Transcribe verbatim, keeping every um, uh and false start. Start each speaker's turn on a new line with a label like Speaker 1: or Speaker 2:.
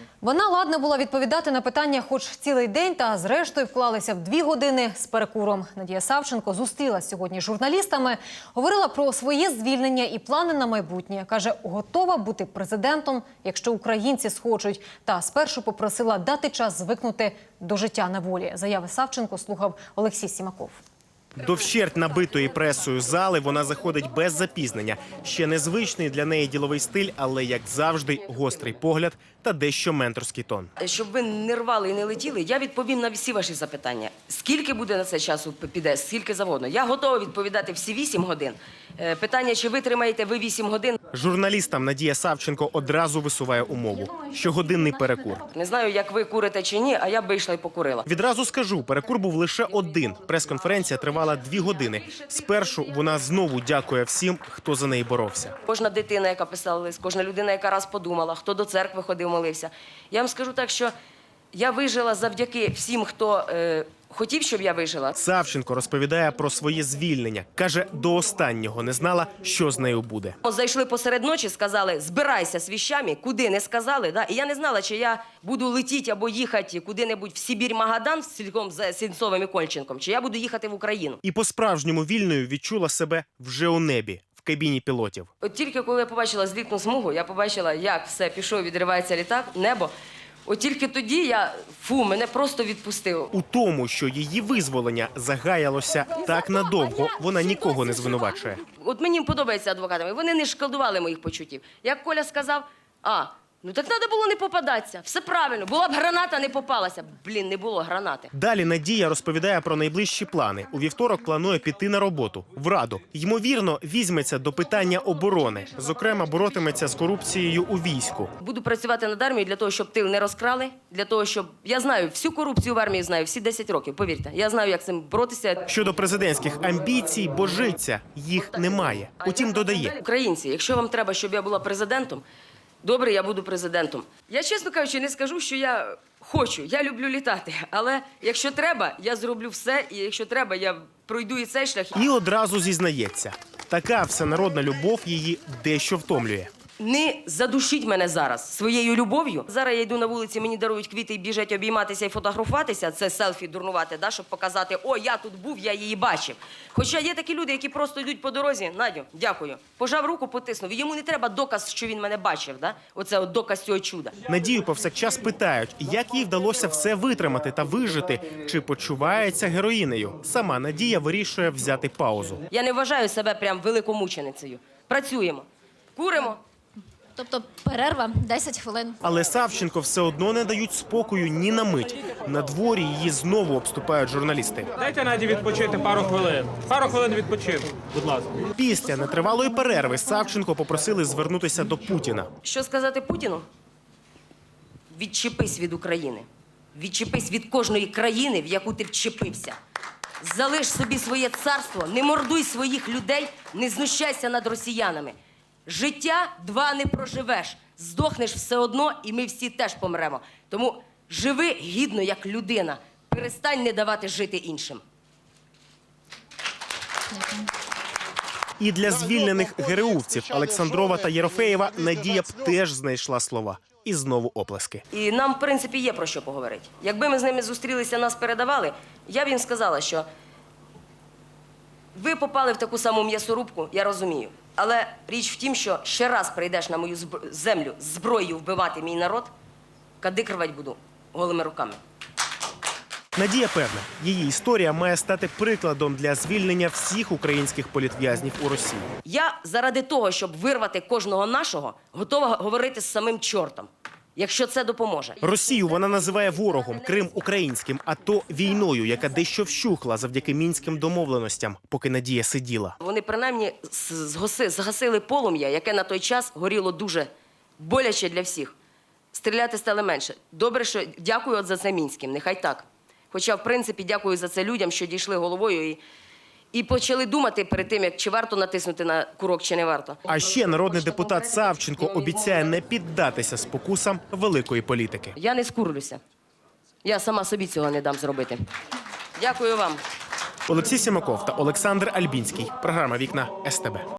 Speaker 1: Вона ладна була відповідати на питання хоч цілий день, та зрештою вклалися в дві години з перекуром. Надія Савченко зустрілася сьогодні з журналістами, говорила про своє звільнення і плани на майбутнє. Каже, готова бути президентом, якщо українці схочуть. Та спершу попросила дати час звикнути до життя на волі. Заяви Савченко слухав Олексій Сімаков.
Speaker 2: До вщерть набитої пресою зали вона заходить без запізнення. Ще незвичний для неї діловий стиль, але, як завжди, гострий погляд та дещо менторський тон.
Speaker 3: Щоб ви не рвали і не летіли, я відповім на всі ваші запитання. Скільки буде на це часу піде, скільки завгодно. Я готова відповідати всі вісім годин. Питання, чи витримаєте ви вісім годин?
Speaker 2: Журналістам Надія Савченко одразу висуває умову – щогодинний перекур.
Speaker 3: Не знаю, як ви курите чи ні, а я б вийшла і покурила.
Speaker 2: Відразу скажу, перекур був лише один. Прес-конференція тривала дві години. Спершу вона знову дякує всім, хто за неї боровся.
Speaker 3: Кожна дитина, яка писала лист, кожна людина, яка раз подумала, хто до церкви ходив, молився. Я вам скажу так, що я вижила завдяки всім, хто е, хотів, щоб я вижила.
Speaker 2: Савченко розповідає про своє звільнення. Каже, до останнього не знала, що з нею буде.
Speaker 3: Зайшли посеред ночі, сказали, збирайся з віщами, куди не сказали. Да? І я не знала, чи я буду летіти або їхати куди-небудь в Сибір-Магадан з цілком з Сінцовим і Кольченком, чи я буду їхати в Україну.
Speaker 2: І по-справжньому вільною відчула себе вже у небі, в кабіні пілотів.
Speaker 3: От тільки коли я побачила злітну смугу, я побачила, як все пішов, відривається літак, небо. От тільки тоді я, фу, мене просто відпустило.
Speaker 2: У тому, що її визволення загаялося так надовго, вона нікого не звинувачує.
Speaker 3: От мені подобається адвокатами, вони не шкодували моїх почуттів. Як Коля сказав, а, ну так треба було не попадатися, все правильно, була б граната, не попалася. Блін, не було гранати.
Speaker 2: Далі Надія розповідає про найближчі плани. У вівторок планує піти на роботу, в Раду. Ймовірно, візьметься до питання оборони. Зокрема, боротиметься з корупцією у війську.
Speaker 3: Буду працювати над армією для того, щоб тил не розкрали, для того, щоб... Я знаю, всю корупцію в армії знаю, всі десять років, повірте. Я знаю, як з цим боротися.
Speaker 2: Щодо президентських амбіцій, божиться, їх немає. Утім, додає.
Speaker 3: Українці, якщо вам треба, щоб я була президентом, добре, я буду президентом. Я, чесно кажучи, не скажу, що я хочу. Я люблю літати. Але якщо треба, я зроблю все. І якщо треба, я пройду і цей шлях.
Speaker 2: І одразу зізнається. Така всенародна любов її дещо втомлює.
Speaker 3: Не задушіть мене зараз своєю любов'ю. Зараз я йду на вулиці, мені дарують квіти і біжать обійматися і фотографуватися. Це селфі дурнувати, да, щоб показати, о, я тут був, я її бачив. Хоча є такі люди, які просто йдуть по дорозі. Надю, дякую. Пожав руку, потиснув. Йому не треба доказ, що він мене бачив. Да? Оце от доказ цього чуда.
Speaker 2: Надію повсякчас питають, як їй вдалося все витримати та вижити, чи почувається героїнею. Сама Надія вирішує взяти паузу.
Speaker 3: Я не вважаю себе прям великомученицею. Працюємо, куримо.
Speaker 4: Тобто перерва десять хвилин.
Speaker 2: Але Савченко все одно не дають спокою ні на мить. На дворі її знову обступають журналісти.
Speaker 5: Дайте Наді відпочити пару хвилин. Пару хвилин відпочину, будь ласка.
Speaker 2: Після нетривалої перерви Савченко попросили звернутися до Путіна.
Speaker 3: Що сказати Путіну? Відчепись від України. Відчепись від кожної країни, в яку ти вчепився. Залиш собі своє царство, не мордуй своїх людей, не знущайся над росіянами. Життя два не проживеш, здохнеш все одно, і ми всі теж помремо. Тому живи гідно, як людина. Перестань не давати жити іншим.
Speaker 2: І для звільнених гереувців Олександрова та Єрофеєва Надія б теж знайшла слова. І знову оплески.
Speaker 3: І нам, в принципі, є про що поговорити. Якби ми з ними зустрілися, нас передавали, я б їм сказала, що ви попали в таку саму м'ясорубку, я розумію. Але річ в тім, що ще раз прийдеш на мою землю з зброєю вбивати мій народ, кадик рвать буду голими руками.
Speaker 2: Надія певна, її історія має стати прикладом для звільнення всіх українських політв'язнів у Росії.
Speaker 3: Я заради того, щоб вирвати кожного нашого, готова говорити з самим чортом, якщо це допоможе.
Speaker 2: Росію вона називає ворогом, Крим – українським, а то війною, яка дещо вщухла завдяки мінським домовленостям, поки Надія сиділа.
Speaker 3: Вони принаймні згаси, згасили полум'я, яке на той час горіло дуже боляче для всіх. Стріляти стало менше. Добре, що дякую от за це мінським, нехай так. Хоча, в принципі, дякую за це людям, що дійшли головою і, і почали думати перед тим, як чи варто натиснути на курок, чи не варто.
Speaker 2: А ще народний депутат Савченко обіцяє не піддатися спокусам великої політики.
Speaker 3: Я не скурлюся. Я сама собі цього не дам зробити. Дякую вам.
Speaker 2: Олексій Сімаков та Олександр Альбінський. Програма «Вікна ес те бе».